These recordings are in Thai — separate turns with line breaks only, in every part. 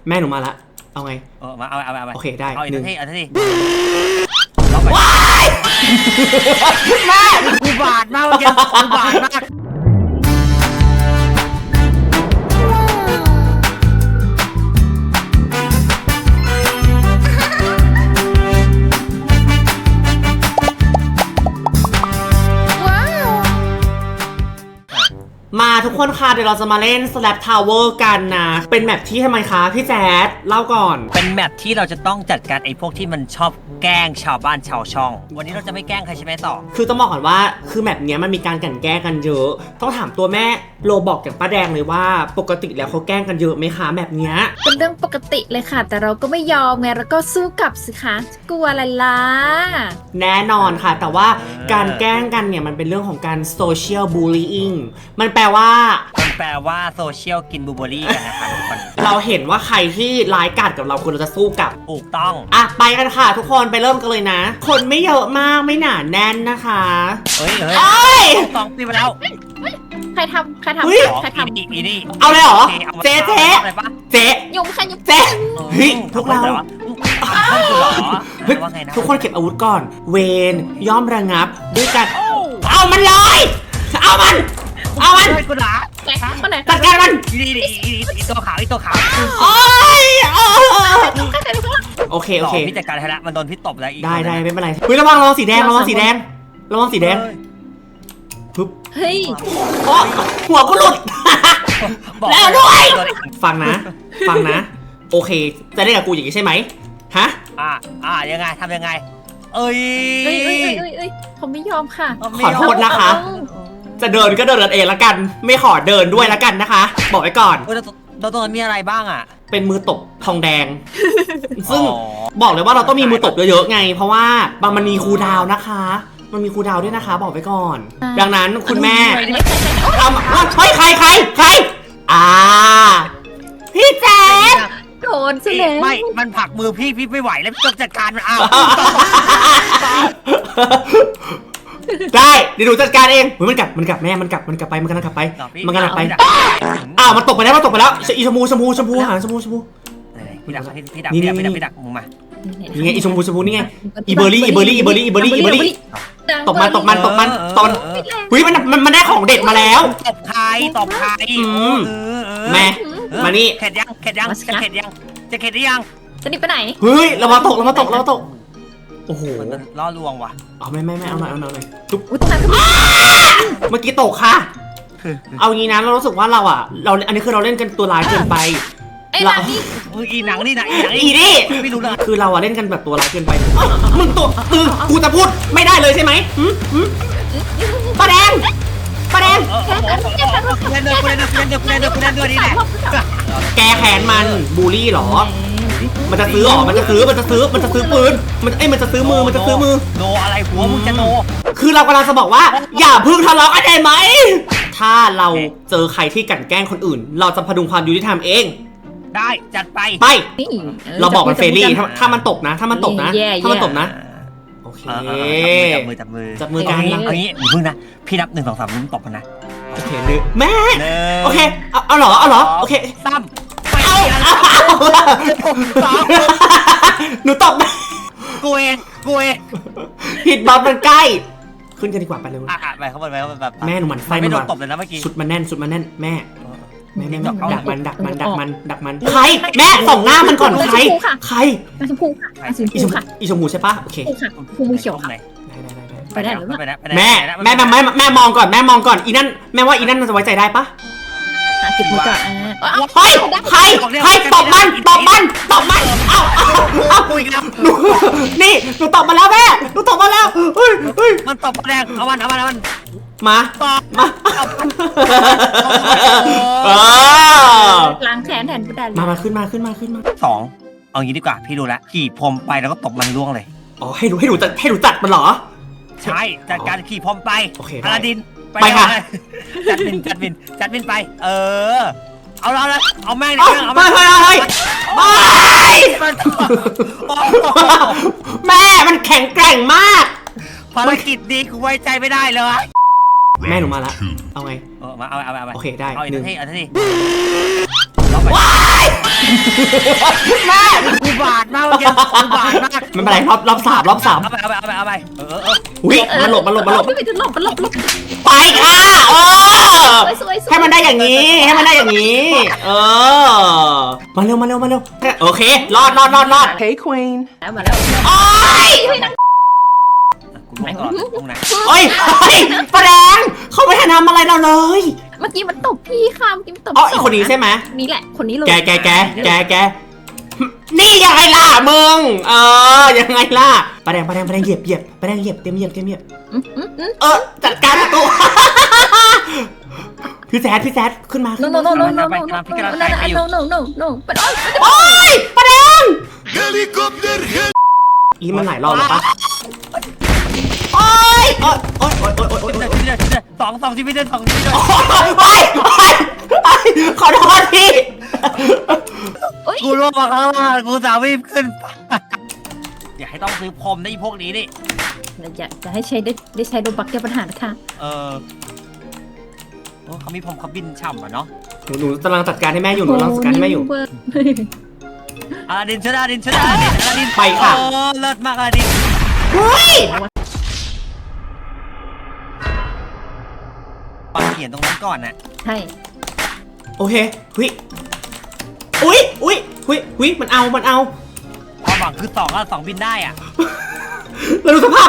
แม่หนูมาละเอาไง
มาเอา
โอเคได้
เอาอีกทีเอาที
ว้ายแม่
อุบาทมากเมื่อกี้อุบาทมาก
มาทุกคนค่ะเดี๋ยวเราจะมาเล่น Slap Tower กันนะเป็นแมปที่ทำไมคะพี่แจ๊ดเล่าก่อน
เป็นแมปที่เราจะต้องจัดการไอ้พวกที่มันชอบแกล้งชาวบ้านชาวช่องวันนี้เราจะไม่แกล้งใครใช่ไหมต่อ
คือต้องบอกก่อนว่าคือแมปเนี้ยมันมีการกลั่นแกล้งกันเยอะต้องถามตัวแม่โลบอกอย่างป้าแดงเลยว่าปกติแล้วเขาแกล้งกันเยอะไหมคะแมปเนี้ย
เป็นเรื่องปกติเลยค่ะแต่เราก็ไม่ยอมไงเราก็สู้กลับสิคะกลัวอะไรล่ะ
แน่นอนค่ะแต่ว่าการแกล้งกันเนี่ยมันเป็นเรื่องของการ social bullying มันแปลว่า
โซเชียลกินบูเบอรี่กันนะคะทุกคน
เราเห็นว่าใครที่ร้ายกาจกับเราควรเราจะสู้กับ
ถูกต้อง
อ่ะไปกันค่ะทุกคนไปเริ่มกันเลยนะคนไม่เยอะมากไม่หนาแน่นนะคะ
เฮ้ยต้องตีมาแล้ว
ใครทำใครทำ
อีนี่
เอาเลยเหรอเจ๊
ยุงค่ะยุง
เจ๊เฮ้ยพวกเราทุกคนเก็บอาวุธก่อนเวนย่อมระงับด้วยกันเอามันเลยเอามัน
กูด่า
จัดการมัน
อีตัวขาว
โอ้ยโอเค
พี่จัดการให้ละมันโดนพี่ตบแล้ว
ได้ไม่เป็นไรเฮ้ยระวังสีแดงปึ๊บ
เฮ้ย
หัวกูหลุดแล้วด้วยฟังนะโอเคจะได้กับกูอย่างนี้ใช่ไหมฮะ
ยังไงทำยังไงเอ้ย
ผมไม่ยอมค่ะ
ขอโทษนะคะจะเดินก็เดินเองละกันไม่ขอเดินด้วยละกันนะคะบอกไว้ก่อน
ตรงนั้นมีอะไรบ้างอ่ะ
เป็นมือตบทองแดงซึ่งบอกเลยว่าเราต้องมีมือตบเยอะๆไงเพราะว่ามันมีคูลดาวน์นะคะมันมีคูลดาวน์ด้วยนะคะบอกไว้ก่อนดังนั้นคุณแม่เฮ้ยใครพี่แจ๊ด
โดนซะแล้ว
ไม่มันผลักมือพี่ไม่ไหวแล้วต้องจัดการมัน
ได้เดี๋ยวหนูจัดการเองมันกลับแม่มันกลับไปมันกำลังกลับไปมันตกไปแล้วอีชมพูหาชมพู
พี่ดักมึงมา
นี่ไงอีชมพูนี่ไงอีเบอร์รี่ตบมันเฮ้ยมันได้ของเด็ดมาแล้ว
ตบใคร
แม่มานี่
เข็ดยังจะเข็ดหรือยัง
จะนี่ไปไหน
เฮ้ยเรามาตกโอ้โห
ล่อลวงว่ะ
ไม่เอาหน่อยจุ๊บเมื่อกี้ตกค่ะเอางี้นะเรารู้สึกว่าเราอันนี้คือเราเล่นกันตัวร้ายเกินไป
อีหนังนี่ไม่รู้เลย
คือเราเล่นกันแบบตัวร้ายเกินไปมึงตัวกูจะพูดไม่ได้เลยใช่ไหมปลาแดงแกแขนมันบูลลี่หรอมันจะซื้อมันจะซื้อปืนมันจะซื้อมือมันจะซื้อมือ
โนอะไรหัวมึงจะโน
คือเรากำลังจะบอกว่าอย่าพึ่งทะเลาะกันได้ไหมถ้าเราเจอใครที่กลั่นแกล้งคนอื่นเราจะพดุงความยุติธรรมเอง
ได้จัดไป
เราบอกมันเฟรนลี่ถ้ามันตกนะโอเคจับมือกัน
เอางี้มึงนะพี่นับ1 2 3มึงตบมันนะ
โอเคแม่โอเคเอาเหรอโอเค
ตั้ม
หนูตบ
กูเอง
ผิดบอลมันใกล้ขึ้นกันดีกว่าไปเลย
ไปเข้าไปแบบ
แม่หนูมันไฟ
ไม่โดนตบเลยนะเมื่อกี้
ชุดมันแน่นแม่ดักมันใครแม่ส่องหน้ามันก่อนใคร
ชมพูค่ะ
อีชมพูใช่ปะโอเค
ชมพูเขียวค่ะไปได้หรือ
แม่มองก่อนอีนั่นแม่ว่าอีนั่นมันจะไว้ใจได้ปะ
เก็บมือก่อน
ใครตบมันเอา
คุยกัน
นี่หนูตบมาแล้วแม่หนูตบมาแล้วเฮ้ย
มันตบแรงเอามัน
มา
ล้างแขนแทนผู้ใด
มาขึ้นมา
2เอางี้ดีกว่าพี่ดูแลขี่พรมไปแล้วก็ตบมันล่วงเลย
อ๋อให้ดูจัดมันเหรอ
ใช่จัดการขี่พรมไปอลาดิน
ไปค่ะ
จัดบินไปเอาแม่ง
แม่มันแข็งแกร่งมาก
ภารกิจดีกูไว้ใจไม่ได้เลย
แม่หนูมาละเอาไง
มาเอา
โอเคได้
เอาอีกที
ว้ายแม่
กูบาดมากเมื่อกี้กูบาดมาก
ไม่เป็นไรรอบสาม
เอาไป
อุ้ยมันหลบ
ไม่ไปถึงหลบหลบ
ไปค่ะ
สวย
ให้มันได้อย่างนี้มาเร็วโอเครอด
Hey, Queen.
มาแล้ว
โอ้ย
กูไม่ก่อนตรงไหน
โอ้ยประแดงเขาไม่ทันทำอะไรเราเลย
เมื่อกี้มันตบพี่ค่ะเมื่อกี้มันตบ
อ๋ออีกคนนี้ใช่ไหม
นี่แหละคนนี้เลย
แกนี่ยังไงล่ะมึงยังไงล่ะประแดงเหยียบประแดงเหยียบเต็มเหยียบจัดการประตูพี่แซดขึ้นมา
no เป็น
โอ้ยประแดงอีมันหลายรอบแล้วปะโอ้ย
สองที่พี่เดิน2ที่ด้วย
ขอโทษพี่
กูร่วงมาข้างล่างกูสาววิ่งขึ้นอย่าให้ต้องซื้อพรมนะอีพวกนี้นี่
จะให้ใช้ได้ใช้โดบักแก้ปัญหานะคะ
เขามีพรมเขาบินฉ่ำอ่ะเนาะ
หนูกำลังจัดการให้แม่อยู่
อลาดินอลาดิน
ไปค่ะ
เลิศมากอลาดิน
เฮ้ย
ปาเขียนตรงนั้นก่อนน่ะ
ใช่
โอเคอุ้ยมันเอา
ความหวังคือ2บินได้อ่ะ
แล้วดูสภาพ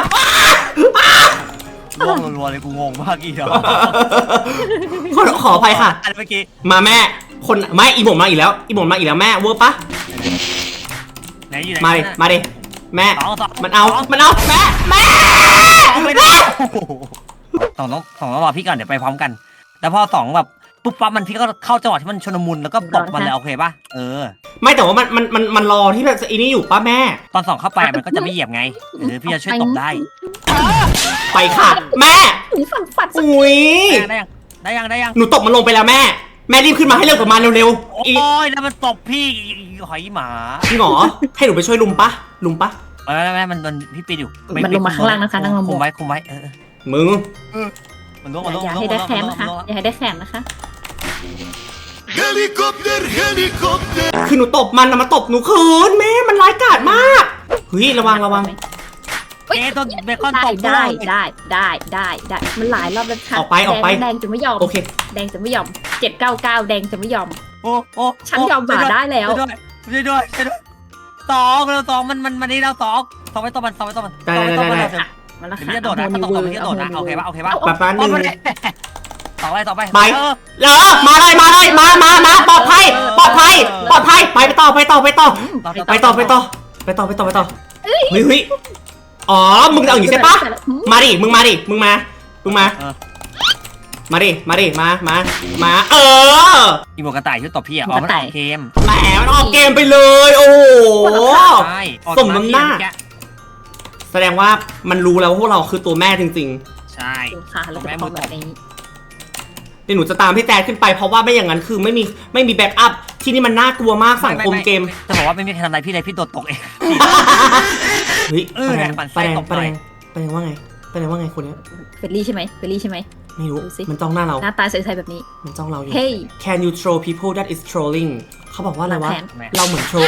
ร่วงรัวๆเลยกูงงมากอีกแล้ว
ขออภัยค่ะ
เมื่อกี้
มาแม่คนไม่อีหมดมาอีกแล้วแม่เวอร์ปะ
ไหนอยู่ไหน
มาดิแม่ มันเอาแม่
ต้องรอพี่ก่อนเดี๋ยวไปพร้อมกันแล้วพอ2แบบปุ๊บปั๊บมันพี่ก็เข้าจังหวะที่มันชนมุนแล้วก็ตบมันเลยโอเคป่ะ
ไม่แต่ว่ามันรอที่แบบอีนี่อยู่ป้าแม่
ตอน2เข้าไปมันก็จะไม่เหยียบไงพี่จะช่วยตบได้
ไปค่ะแม่
ฝัด
อุ้ย
ได้ยัง
หนูตบมันลงไปแล้วแม่รีบขึ้นมาให้เร็วกว่ามันเร็วๆ
โอ้ยแล้วมันตบพี่หอยหมา
พี่หมอให้หนูไปช่วยลุมปะ
ไม่มันพี่ปีนอยู่
มันลงมาข้างล่างนะคะนั่งลง
คุมไว้
มึง
มันลง
อย่าให้ได้แขนนะคะอย่าให้ได้แขนนะคะ
เฮลิคอปเตอร์
คือหนูตบมันนะมาตบหนูคืนแม่มันร้ายกาจมากเฮ้ยระวัง
ต้นเบคอนตบ
ได้มันหลายรอบแล้วค่ะ
ออกไป
แดงจะไม่ยอม
โอเค
แดงจะไม่ยอม799แดงจะไม่ยอม
โอ้
ฉันยอมบ่าได้แล้ว
ช่วยด้วย2มันนี่แล้ว2ไปต่อมัน
ได้
มันละค่ะ
พี่จะโดดนะเขาตกพี่จะโดดนะโอเคป่ะ
แบบนั้นนึง
ต่อไป
ไปมาเลยมาปลอดภัยไปต่อเฮ้ยอ๋อมึงเอาอย่างนี้ใช่ปะมาดิมึงมาดิมา
อีโมกระต่ายช่วยตบพี่มันออกเกม
แหมมันออกเกมไปเลยโอ้โหสมน้ำหน้าแสดงว่ามันรู้แล้วว่าพวกเราคือตัวแม่จริง
ๆใช่
ค่ะแล้วก็ต้องแบบนี้
เดี๋ยวหนูจะตามพี่แจ๊ดขึ้นไปเพราะว่าไม่อย่างนั้นคือไม่มีแบ็กอัพที่นี่มันน่ากลัวมากสังคมเกม
จะบอกว่าไม่มีใครทำอะไรพี่เลยพี่โดดตกเอง
เฮ้ยประแดงว่าไงคนนี้
เฟรลี่ใช่ไหม
ไม่รู้มันจ้องหน้าเรา
หน้าตาใสๆแบบนี้
มันจ้องเราอยู่
Hey
Can you troll people that is trolling เขาบอกว่าอะไรวะเราเหมือนโทร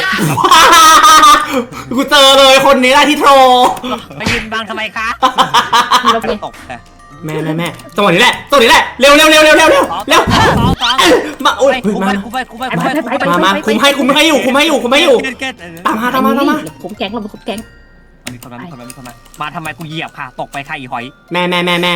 กูเจอเลยคนนี้แหละที่โทร
ไปยืนบังทำไมคะตก
แม่จังหวะนี้แหละเร็วมาโอ้ยมาคุมให้อยู่ตามมา
คุมแก๊งเราคุมแก๊ง
มีคนมาทำไมกูเหยียบค่ะตกไปค่ะอีหอย
แม่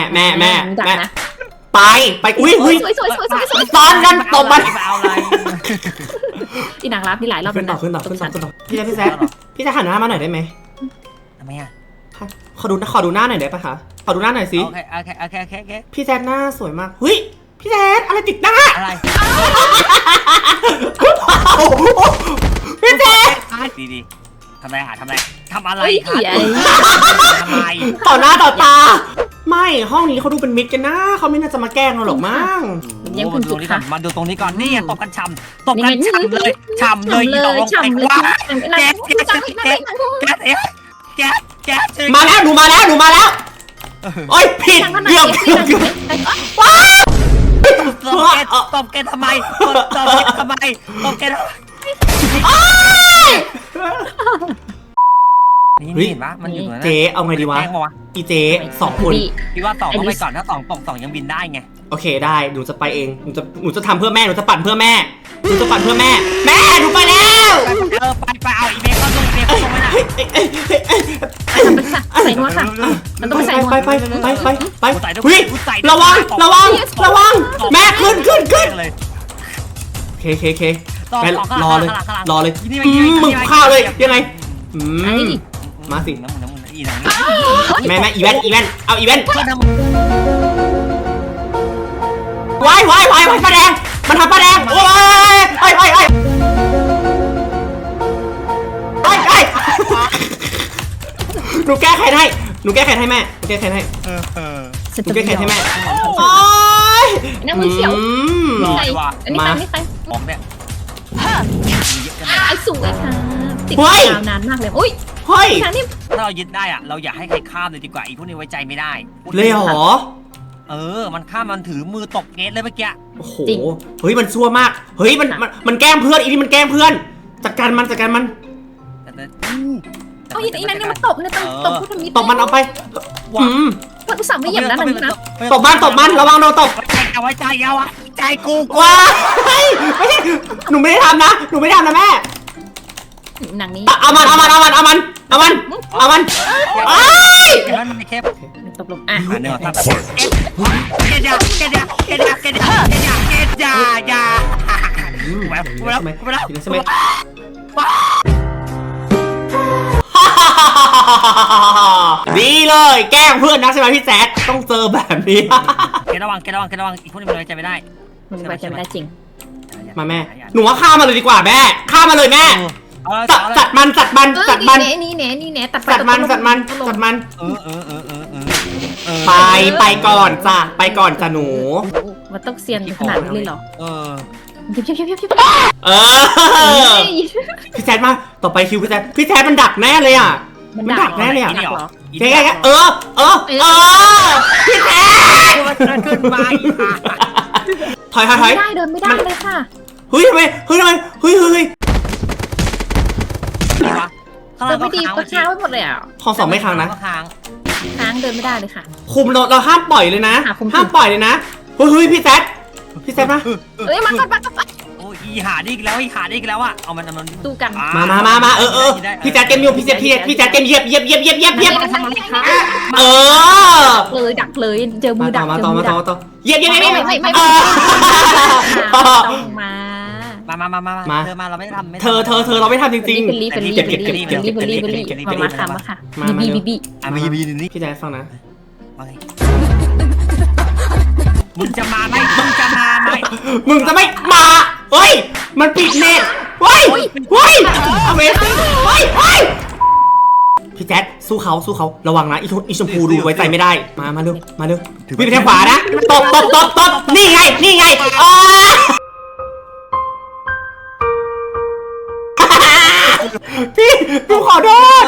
ไปอุ้ยตอนนั้นตบมัน
เอาอะไร
อีนางรับนี่หลายรอบ
ขึ้นต่อพี่แจ๊พี่จะหันหน้ามาหน่อยได้ไหม
ทำไมอ่ะ
ขอดูหน้าหน่อยได้ปะคะขอดูหน้าหน่อยสิ
โอเค
พี่แจ๊หน้าสวยมากเฮ้ยพี่แจ๊อะไรติดหน้า
อะไร
พี่แจ๊
ดีทำอะไรคะทำอะไร
ต่อหน้าต่อตาไม่ห้องนี้เขาดูเป็นมิตรกันนะเขาไม่น่าจะมาแกล้งเราหรอกมั้ง
ยังคุณจุดค่ะ
มาดูตรงนี้ก่อนนี่ตบกันฉ่ำเลยอีดอกลงไปว่าแก
มาแล้วหนูมาแล้วโอ๊ยผิดเกือบว้าว
ตบแกทำไมนี่เห็นปะมันอยู่ตรงนั้น
เจ๊เอาไงดีวะ
แกล้งปะวะ
อีเจ๊สองคน
พี่ว่าสองเข้าไปก่อนถ้าสองตกสองยังบินได้ไง
โอเคได้หนูจะไปเองหนูจะทำเพื่อแม่หนูจะปั่นเพื่อแม่หนูจะปั่นเพื่อแม่แม่หนูไปแล้ว
ไปเอาอีเมลเข้าตรงไว้น่ะ
ใส่นวดค่ะมันต้องไปใส่นวด
ไปเฮ้ยระวังแม่ขึ้น
เลย
เคแม่รอเลยมึงข้าวเลยยังไงมาสิ
น้ำมันอีหนัง
แม่อีเวนต์เอาอีเวนต์วายป้าแดงมันทำป้าแดงโอ้ยหนูแก้แค้นให้แม่หนูแก้แค้นให้แม่
ฉันจะไม่ยอม
โอ้ย
น้ำมือเขียวใส่อันนี้ใคร
ของเนี่ย
ไอ้สวยค่ะติดยาวนานมากเลยอุ้ย
เฮ้ย
ทางนี้
ถ้าเรายึดได้อะเราอย่าให้ใครข้ามเลยดีกว่าอีพวกนี้ไว้ใจไม่ได้
เลยเหรอ
มันข้ามมันถือมือตบเกตเลยเมื่อกี้
โอ้โหเฮ้ยมันชั่วมากเฮ้ยมันแกล้งเพื่อนอีนี่มันแกล้งเพื่อนจัดการมัน
เอาอีนั่นนี่มันตบเนี่ยตบผู้ทำนี้
ตบมันเอาไป
มันอุตส่าห์ไม่เหยียบนะนั่นนะ
ตบมันระวังโดนตบ
เอาไว้ใจเอาอะใจกู
ว้าไม่ใช่หนูไม่ได้ทำนะแม่
หนังนี้
เอามันไอ้
มันไม่แคบ
ตบลงอ่ะ
เนื้อครับเกตยา
ใช่ไหมดีเลยแกล้งเพื่อนนักใช่ไหมพี่แจ๊ดต้องเจอแบบนี้
เกตระวังอีกพวกนี้มันไว้ใจไม่ได้
มันไว้ใจไม่ได้จริง
มาแม่หนูว่าฆ่ามาเลยดีกว่าแม่ฆ่ามาเลยแม่จัดมัน
นี่แหน่ตัด
จัดมันไปก่อนจ้ะหนู
มันต้องเซียนขนาดนี้เลยเหรอเพียบ
พี่แจ๊ดมาต่อไปคิวพี่แจ๊ดมันดักแน่เลยอ่ะมันดักแน่เลยอ่ะแกพี่แจ๊ด
ขึ้นมา
ถอย
ไม่ได้เดินไม่ได้เลยค่ะ
เฮ้ยทำไมเฮ้ย
เราไม่ดีก็ค้างไว้หมดเลยอ่ะ
ข้อสองไม่ค้างนะ
ค้างเดินไม่ได้เลยค่ะ
คุมเราห้ามปล่อยเลยนะห้ามปล่อยเลยนะเฮ้ยพี่แจ๊ดมา
เอ้ยมา
โอ้ยหาได้อีกแล้วอ่ะเอามัน
ดูกัน
มาพี่แจ๊ดเต็มอยู่พี่แจ๊ดเต็มเหยียบ
ดักเลยเจอมือดัก
ต่อเหยียบ
ไม่ต้องมา
เธอมาเราไม่ทำ
เธอเราไม่ทำจริง
เป็นรีมาค่ะบี
บีนี่
พี่แจ๊ดฟังนะ
มึงจะมาไหม
มึงจะไม่มาเฮ้ยมันปิดเน็ตเฮ้ยอเมซิ่งเฮ้ยพี่แจ๊ดสู้เขาระวังนะอีชมพูดูไว้ใจไม่ได้มาเร็ววิ่งไปทางขวานะตบนี่ไงพี่ดูขอโทษ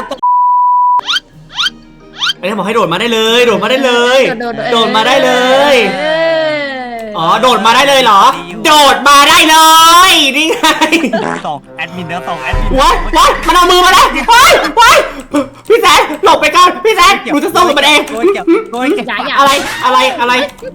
ไอ้ที่บอกให้โดดมาได้เลยอ๋อโดดมาได้เลยเหรอโดดมาได้เลยนี่ไง
ส่งแอดมิน
ว้ายมันเอามือมาแล้วว้ายพี่แซนหลบไปก่อนพี่แซนหนูจะสู้กับมันเองอะไร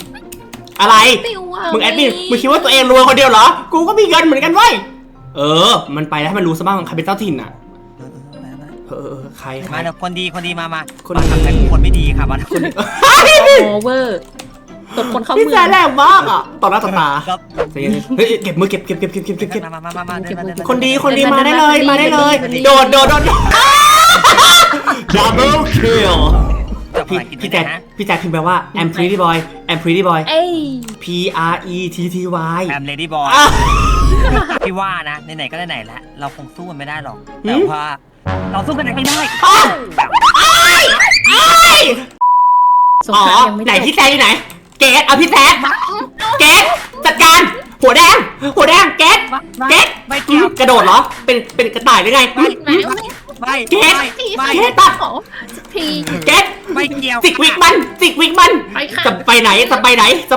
มึงแอดมินมึงคิดว่าตัวเองรวยคนเดียวเหรอกูก็มีเงินเหมือนกันเว้ยมันไปแล้วให้มันรู้ซะบ้างใครเป็นเจ้าถิ่นอ่ะใคร
มาเดี๋ยวคนดีมาคนทำแต่คนไม่ดีค่ะบ้านคน
โอเวอร์ตบคนเข้ามือ
พี่แจ๊ดแรงมากอ่ะต่อหน้าต่อตาเฮ้ยเก็บมือเก็บ
มา
คนดีมาได้เลยโดดดับเบิลคิลพี่แจ๊ดพิมพ์แปลว่า I'm pretty boy P R E T T Y
I'm lady boy พี่ว่านะไหนก็ไหนแล้วเราคงสู้กันไม่ได้หรอกแต่ว่าเราสู้กันไม่ได้
ไหนพี่แจ๊ดอยู่ไหนเกตเอาพี่แจ๊ดเกตจัดการหัวแดงเกต
ไม่เกี่ยว
กระโดดเหรอเป็นกระต่ายหรือไงเกตตัดเกต
ไม่เกี่ยว
จิกวิกมันจะไปไหน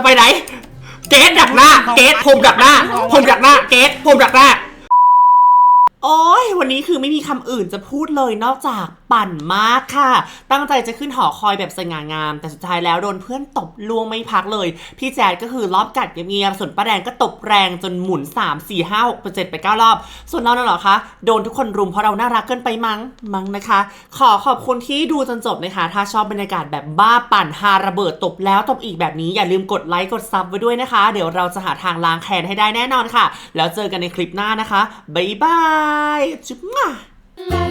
เกตดักหน้าเกตพรมดักหน้าเกตพรมดักหน้าโอ้ยวันนี้คือไม่มีคำอื่นจะพูดเลยนอกจากปั่นมากค่ะตั้งใจจะขึ้นหอคอยแบบสง่างามแต่สุดท้ายแล้วโดนเพื่อนตบล่วงไม่พักเลยพี่แจ๊ดก็คือรอบกัดเงียบๆส่วนป้าแดงก็ตบแรงจนหมุน3 4 5 6 7ไป9 รอบส่วนเราน่ะเหรอคะโดนทุกคนรุมเพราะเราน่ารักเกินไปมั้งนะคะขอบคุณที่ดูจนจบนะคะถ้าชอบบรรยากาศแบบบ้าปั่นฮาระเบิดตบแล้วตบอีกแบบนี้อย่าลืมกดไลค์กดซับไว้ด้วยนะคะเดี๋ยวเราจะหาทางล้างแค้นให้ได้แน่นอนค่ะแล้วเจอกันในคลิปหน้านะคะบ๊ายบายจุ๊บ